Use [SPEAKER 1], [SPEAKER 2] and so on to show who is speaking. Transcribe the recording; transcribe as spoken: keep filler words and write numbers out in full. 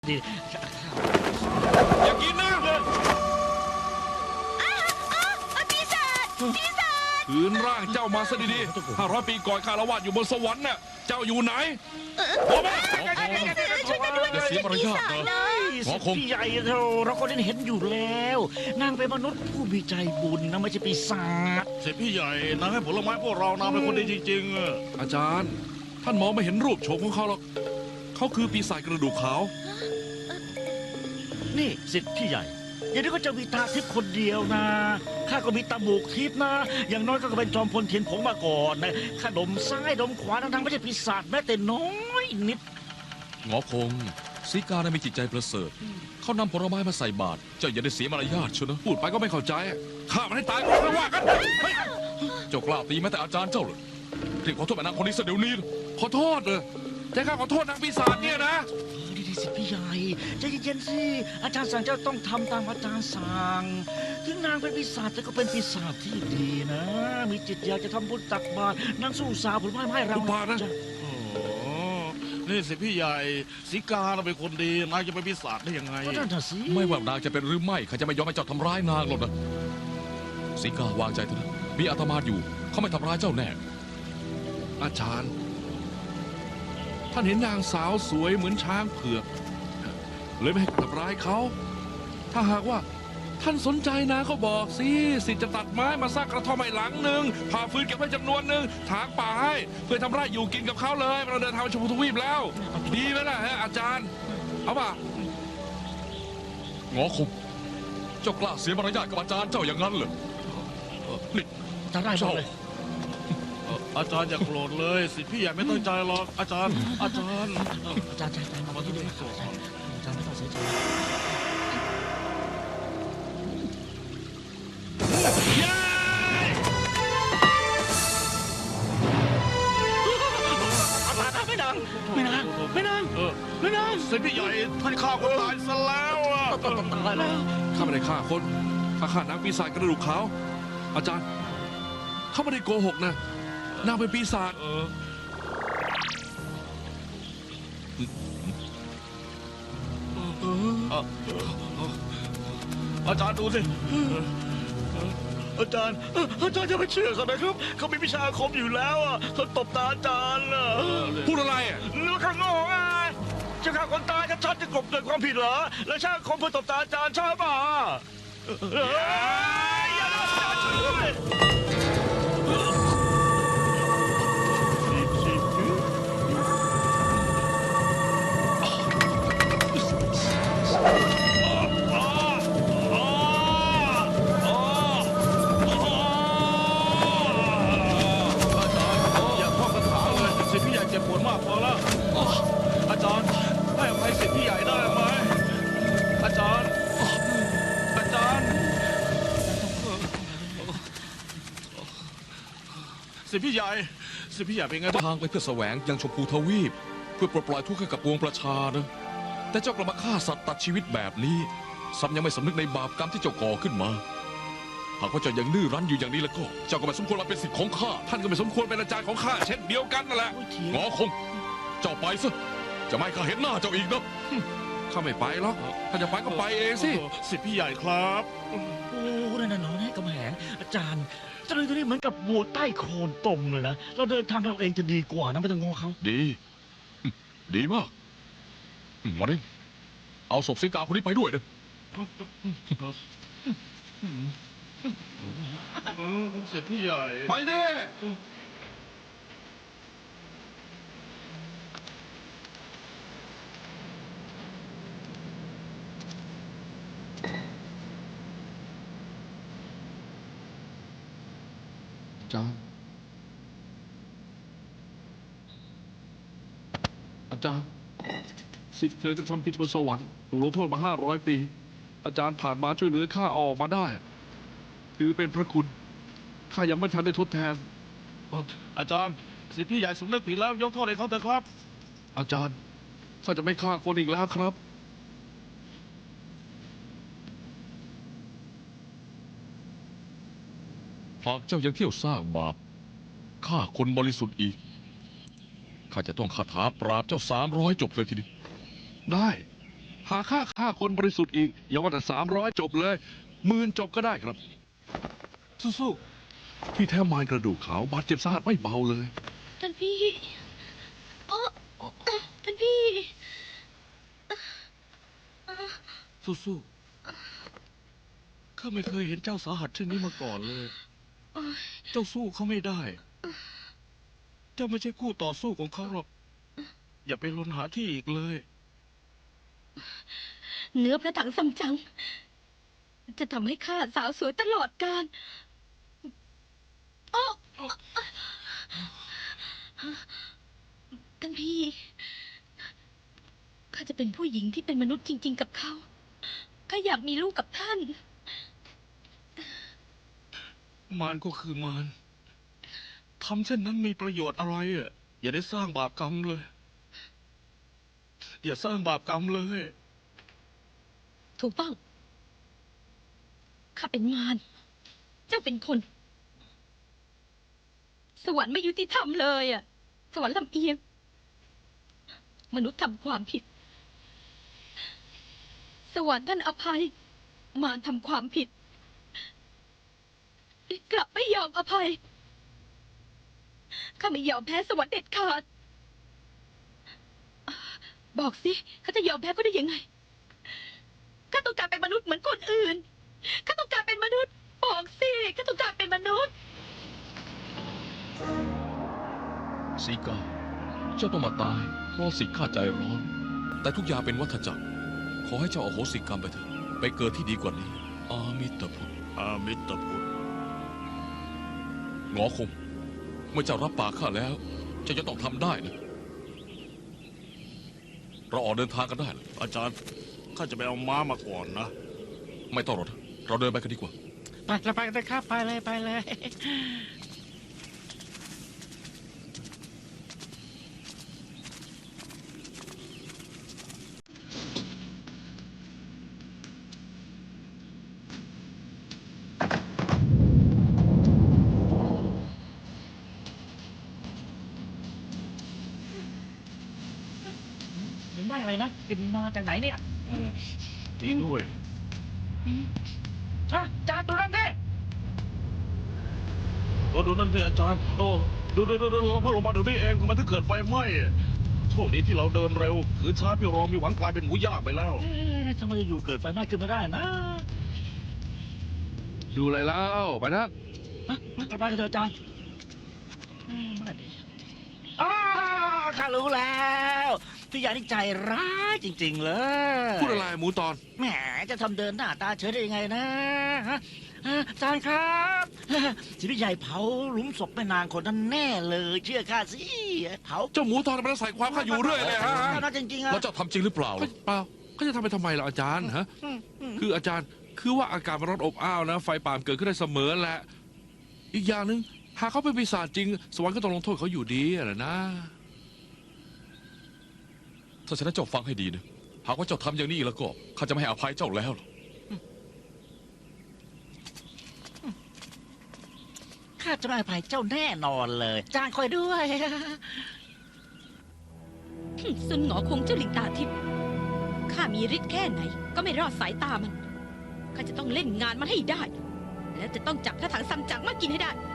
[SPEAKER 1] ดิ
[SPEAKER 2] อย่ากินนะ
[SPEAKER 3] ปีศาจปีศาจ
[SPEAKER 2] คืนร่างเจ้ามาซะดีๆห้าร้อยปีก่อนข้าละวาดอยู่บนสวรรค์น่ะเจ้าอยู่ไหนโอ้โห
[SPEAKER 3] ช่วยกันด้วย
[SPEAKER 1] อย่าเสียมารยาทนะหมอคงพี่ใหญ่เราเราก็ได้เห็นอยู่แล้ว นางเป็นมนุษย์ผู้มีใจบุญนะไม่ใช่ปีศาจ
[SPEAKER 4] เสร็จพี่ใหญ่นางให้ผลไม้พวกเรานางเป็นคนดีจริงๆอะ
[SPEAKER 2] อาจารย์ ท่านมองไม่เห็นรูปโฉมของเขาหรอกเขาคือปีศาจกระดูกขาว
[SPEAKER 1] นี่สิทธิ์พี่ใหญ่อย่างนี้ก็จะมีตาทิพย์คนเดียวนะข้าก็มีตาบุกทิพย์นะ อย่างน้อยก็เป็นจอมพลเทียนผงมาก่อนนะข้าดมซ้ายดมขวาทั้งๆไม่ใช่ปีศาจแม้แต่น้อยนิด
[SPEAKER 5] หงอคงสีกาได้มีจิตใจประเสริฐเขานำผลไม้มาใส่บาตรเจ้าอย่าได้เสียมารยาทเชียวนะ
[SPEAKER 2] พูดไปก็ไม่เข้าใจฆ่ามันให้ตายก่อนไม่ว่ากันเฮ้ย
[SPEAKER 5] เจ้ากล้าตีแม้แต่อาจารย์เจ้าเลยรีบขอโทษแม่นางคนนี้ซะเดี๋ยวนี้เลย
[SPEAKER 2] ขอโทษเลยจะข้าขอโทษนางปีศาจเนี่ยนะ
[SPEAKER 1] ดีดีสิพี่ใหญ่ใจเย็นๆสิอาจารย์สั่งเจ้าต้องทำตามอาจารย์สั่งถึงนางเป็นปีศาจแต่ก็เป็นปีศาจที่ดีนะ มีจิตอยากจะทำบุญตักบาตรนางสู้สาวผลไม้ให้เรา
[SPEAKER 2] อุบาทนะ
[SPEAKER 4] โอ้โหนี่เสร็จพี่ใหญ่สีกาเราเป็นคนดีนางจะเป็นปีศาจได้ยังไง
[SPEAKER 1] ก็นั่นน่ะสิ
[SPEAKER 5] ไม่ว่านางจะเป็นหรือไม่ข้าจะไม่ยอมให้เจ้าทำร้ายนางหรอกนะสีกาวางใจเถอะนะมีอาตมาอยู่เขาไม่ทำร้ายเจ้าแน่
[SPEAKER 2] อาจารย์ ท่านเห็นนางสาวสวยเหมือนช้างเผือกเลยไม่ให้ทำร้ายเขา ถ้าหากว่าท่านสนใจนางก็บอกสิสิทธิ์จะตัดไม้มาสร้างกระท่อมให้หลังหนึ่งผ่าฟืนเก็บไว้จำนวนหนึ่งถางป่าให้เพื่อทำไร่อยู่กินกับเขาเลยเราเดินทางไปชมพูทวีปแล้ว ดีไหมล่ะฮะอาจารย์ เอาป่ะ
[SPEAKER 5] หงอคงเจ้ากล้าเสียมารยาทกับอาจารย์เจ้าอย่างนั้นเหรอนี่
[SPEAKER 1] จะได้หมดเลย
[SPEAKER 4] เอ่ออาจารย์อย่าโกรธเลยสิพี่ใหญ่ไม่ตั้งใจหรอกอาจารย์ อาจารย์
[SPEAKER 1] อาจารย์ใจใจมาที่นี่อาจารย์อาจารย์ไม่ต้องเสียใจไม่นางไม่นางไม่นาง
[SPEAKER 4] เออ
[SPEAKER 1] ไม่นาง
[SPEAKER 4] เสร็จพี่ใหญ่ท่านฆ่าคนตายซะแล้วอะ
[SPEAKER 1] ตายแล้ว
[SPEAKER 2] ข้าไม่ได้ฆ่าคนข้าฆ่านางปีศาจกระดูกขาว อาจารย์ เขาไม่ได้โกหกนะ นางเป็นปีศาจ
[SPEAKER 4] เออเอ่ออาจารย์ดูสิอาจารย์อาจารย์จะไปเชื่อเขานะครับเขามีวิชาอาคมอยู่แล้วอ่ะเขาตบตาอาจารย์อ่ะ
[SPEAKER 2] พูดอะไรอ่ะ
[SPEAKER 4] เรื่องข้างนอกไงจะฆ่าคนตายก็ชัดจะกลบเกิดความผิดเหรอ แล้วช่างคมเพื่อตบตาอาจารย์ใช่ป่ะเอ้ยอย่าทำอาจารย์ช่วยอย่าท่องคาถาเลยสิพี่ใหญ่เจ็บปวดมากพอแล้วอาจารย์ให้อภัยสิพี่ใหญ่ได้ไหมอาจารย์ อาจารย์สิพี่ใหญ่สิพี่ใหญ่เป็นไงบ้าง
[SPEAKER 5] ทางไปเพื่อแสวงยังชมพูทวีป เพื่อปลดปล่อยทุกข์ให้กับปวงประชานะแต่เจ้ากลับมาฆ่าสัตว์ตัดชีวิตแบบนี้ซ้ำยังไม่สำนึกในบาปกรรมที่เจ้าก่อขึ้นมาหากว่าเจ้ายังดื้อรั้นอยู่อย่างนี้แล้วก็เจ้าก็ไม่สมควรมาเป็นสิทธิ์ของข้า
[SPEAKER 2] ท่านก็ไม่สมควรเป็นอาจารย์ของข้าเช่นเดียวกันนั่นแหละ
[SPEAKER 5] หงอคง เจ้าไปซะจะไม่ให้ข้าเห็นหน้าเจ้าอีกนะ
[SPEAKER 2] ข้าไม่ไปหรอก ถ้าจะไปก็ไปเองสิ
[SPEAKER 4] สิพี่ใหญ่ครับ
[SPEAKER 1] โอ้นั่นน่ะน้องกำแหงอาจารย์เจ้าเรื่องตัวนี้เหมือนกับวัวใต้โคลนตมเลยนะเราเดินทางเราเองจะดีกว่านะไม่ต้องงอเขา
[SPEAKER 5] ดีอืมดีมากอืมมาดิเอาศพสิกาคนนี้ไปด้วยเด้อ
[SPEAKER 4] สิพี่ใหญ่
[SPEAKER 2] ไปดิ อาจารย์ อาจารย์ สิทธิ์เธอจะทำผิดบนสวรรค์ถูกลงโทษมาห้าร้อยปี อาจารย์ผ่านมาช่วยเหลือข้าออกมาได้ ถือเป็นพระคุณ ข้ายังไม่ทันได้ทดแทน
[SPEAKER 4] อาจารย์สิพี่ใหญ่สำนึกผิดแล้วยกโทษให้เขาเถอะครับ
[SPEAKER 2] อาจารย์ ข้าจะไม่ฆ่าคนอีกแล้วครับ
[SPEAKER 5] หากเจ้ายังเที่ยวสร้างบาปฆ่าคนบริสุทธิ์อีกข้าจะต้องคาถาปราบเจ้าสามร้อยจบเลยทีเดียว
[SPEAKER 2] ได้ค่าฆ่าคนบริสุทธิ์อีก อย่าว่าแต่สามร้อยจบเลยหมื่นจบก็ได้ครับ สู้ๆที่แท้มายกระดูกขาวบาดเจ็บสาหัสไม่เบาเลย
[SPEAKER 3] ท่านพี่โอ้ท่านพี่
[SPEAKER 4] สู้ๆข้าไม่เคยเห็นเจ้าสาหัสเช่นนี้มาก่อนเลย เจ้าสู้เขาไม่ได้ เจ้าไม่ใช่คู่ต่อสู้ของเขาหรอก อย่าไปลนหาที่อีกเลย
[SPEAKER 3] เนื้อพระถังซัมจั๋งจะทำให้ข้าสาวสวยตลอดกาลโอ้ท่านพี่ข้าจะเป็นผู้หญิงที่เป็นมนุษย์จริง ๆ กับเขาข้าอยากมีลูกกับท่าน
[SPEAKER 4] มารก็คือมารทำเช่นนั้นมีประโยชน์อะไรอ่ะ อย่าได้สร้างบาปกรรมเลย อย่าสร้างบาปกรรมเลย
[SPEAKER 3] ถูกต้องข้าเป็นมารเจ้าเป็นคน สวรรค์ไม่ยุติธรรมเลยอ่ะ สวรรค์ลำเอียง มนุษย์ทำความผิด สวรรค์ท่านอภัย มารทำความผิด กลับไม่ยอมอภัย ข้าไม่ยอมแพ้สวรรค์เด็ดขาด บอกสิข้าจะยอมแพ้ก็ได้ยังไง ข้าต้องการเป็นมนุษย์เหมือนคนอื่น ข้าต้องการเป็นมนุษย์ บอกสิ ข้าต้องการเป็นมนุษย์
[SPEAKER 5] สีกา เจ้าต้องมาตายเพราะสิทธิ์ข้าใจร้อน แต่ทุกอย่างเป็นวัฏจักร ขอให้เจ้าอโหสิกรรมไปเถอะ ไปเกิดที่ดีกว่านี้ อามิตรพุทธ
[SPEAKER 4] อามิตรพุทธ
[SPEAKER 5] หงอคง เมื่อเจ้ารับปากข้าแล้ว เจ้าจะต้องทำได้นะ เราออกเดินทางกันได้เหรอ
[SPEAKER 4] อาจารย์ ข้าจะไปเอาม้ามาก่อนนะ
[SPEAKER 5] ไม่ต้องหรอกนะเราเดินไปกันดีกว่า
[SPEAKER 1] ไปเลยไปเลยครับไปเลยไปเลย เห็นได้อะไรนะกลินมาจากไหนเนี่ย
[SPEAKER 4] ดีด้วย
[SPEAKER 1] ฮะจานตัวนั้นเด้
[SPEAKER 4] โอ้ดูนั่นสิอาจารย์ โอ้ดูดูดูดูเราเพิ่งลงมาเดี๋ยวนี้เองทำไมถึงเกิดไฟไหม้อะโชคดีที่เราเดินเร็วคือช้าพี่รองมีหวังกลายเป็นหมูย่างไปแล้ว
[SPEAKER 1] เอ๊ะทำไมอยู่เกิดไฟไหม้ขึ้นมาได้นะ
[SPEAKER 2] ดูอะไรแล้วไปนะ
[SPEAKER 1] ฮะไปไปกันเถอะอาจารย์อืมไม่ดีอ้าวข้ารู้แล้วพี่ใหญ่นี่ใจร้ายจริง ๆ เลย
[SPEAKER 2] พูดอะไรหมูตอน
[SPEAKER 1] แหมจะทำเดินหน้าตาเฉยได้ยังไงนะฮะฮะอาจารย์ครับที่พี่ใหญ่เผาหลุมศพแม่นางคนนั้นแน่เลย เชื่อข้าสิเผา
[SPEAKER 2] เจ้าหมูตอนมันใส่ความข้าอยู่เรื่อยเลยฮะ
[SPEAKER 1] น่าจริงๆอะ
[SPEAKER 5] แล้วเจ้าทำจริงหรือเปล่า
[SPEAKER 2] เฮ้
[SPEAKER 5] ล่ะ
[SPEAKER 2] ยเปล่าเขาจะทำไปทำไมล่ะอาจารย์ฮะ
[SPEAKER 1] อืมอืม
[SPEAKER 2] คืออาจารย์คือว่าอากาศมันร้อนอบอ้าวนะ ไฟป่ามเกิดขึ้นได้เสมอแหละ อีกอย่างหนึ่งหากเขาเป็นปีศาจจริง สวรรค์ก็ต้องลงโทษเขาอยู่ดีอะนะ
[SPEAKER 5] ถ้าฉะนั้นเจ้าฟังให้ดีนะ หากว่าเจ้าทำอย่างนี้แล้วก็ข้าจะไม่ให้อภัยเจ้าแล้วหรอก
[SPEAKER 1] ข้าจะไม่อภัยเจ้าแน่นอนเลยอาจารย์คอยด้วย
[SPEAKER 3] ซุนหงอคงเจ้าลิงตาทิพย์ข้ามีฤทธิ์แค่ไหน ก็ไม่รอดสายตามัน ข้าจะต้องเล่นงานมันให้ได้ และจะต้องจับพระถังซัมจั๋งมากินให้ได้